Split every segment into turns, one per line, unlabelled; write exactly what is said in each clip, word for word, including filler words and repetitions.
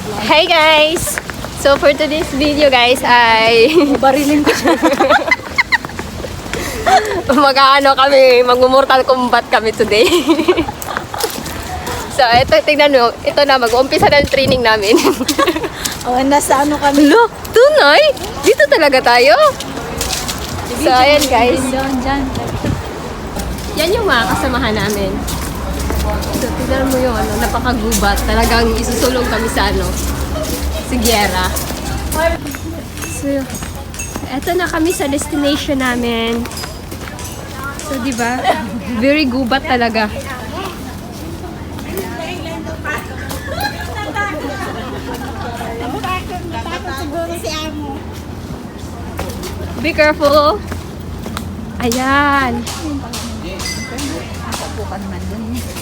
Hey guys! So for today's video guys ay
Barilin ko siya.
mag-ano kami, mag-mortal combat kami today. So ito, tingnan nyo, ito na, mag-umpisa na yung training namin.
Oh, nasa ano kami?
Hello, tunay? Dito talaga tayo? So ayan guys,
Doon, dyan.
yan yung mga kasamahan namin. So tingnan mo yung ano, napakagubat. Talagang isusulong kami sa ano, sa Sierra. So, eto na kami sa destination namin. So, di ba? Very gubat talaga. Be careful. Ayan.
Bukan man dun.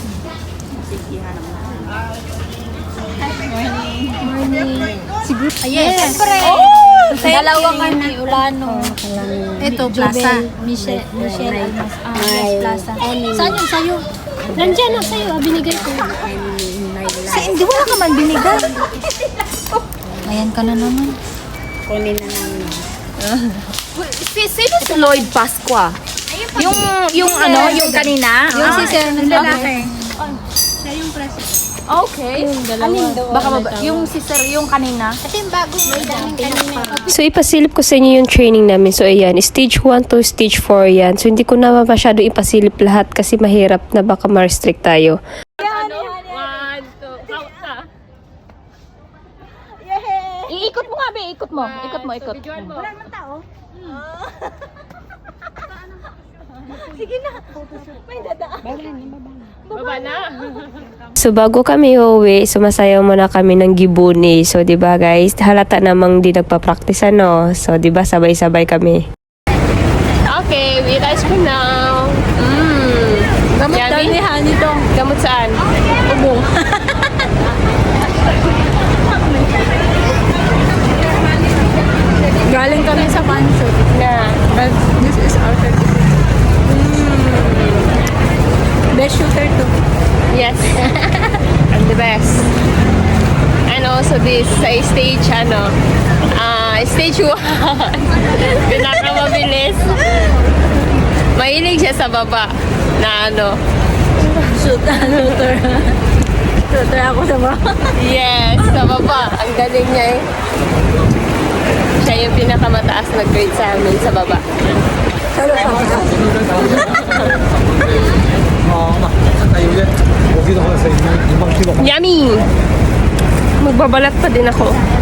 Morning. Siguro.
Yes. Siyempre.
Oh,
Dalawa kami, Ulano. Ito, Plaza. Michelle, Michelle Almas. Ah, yes, Plaza. Saan yung sayo?
Nandiyan na sa'yo. Ah, binigay ko.
Sa hindi, wala ka man binigay. Ayan ka na naman.
Kunin na namin.
Si, sino si Lloyd Pasqua?
Yung, yung ano, yung kanina.
Yung si Sir ng lalaki.
Okay.
Baka maba, yung sister, yung kanina.
Kasi yung bago, may daming kanina.
So, ipasilip ko sa inyo yung training namin. So, ayan, stage one to stage four yan. So, hindi ko na masyado ipasilip lahat kasi mahirap na baka ma-restrict tayo.
Ano? One, two, count na.
Iikot mo nga, be. Ikot mo. Ikot mo, ikot.
Videoan mo. Baba na.
So, bago kami uuwi, sumasayaw muna kami ng gibuni. So, di ba guys, halata namang di nagpa-practice ano. So, di ba sabay-sabay kami.
Okay, we eat ice cream now. Mmm.
Gamot daw ni Hani to.
Gamot saan?
Ubong. Galing kami sa concert.
Na.
But this is our certificate. Best shooter to.
Yes. I'm the best. And also this sa stage ano, ah stage one. Pinakamabilis. Mahilig siya sa baba na ano.
Shoot, shooter. Shooter ako sa baba.
Yes, sa baba. Ang galing niya eh. Siya yung pinakamataas na grade sa amin sa baba. Yummy! Magbabalat pa din ako.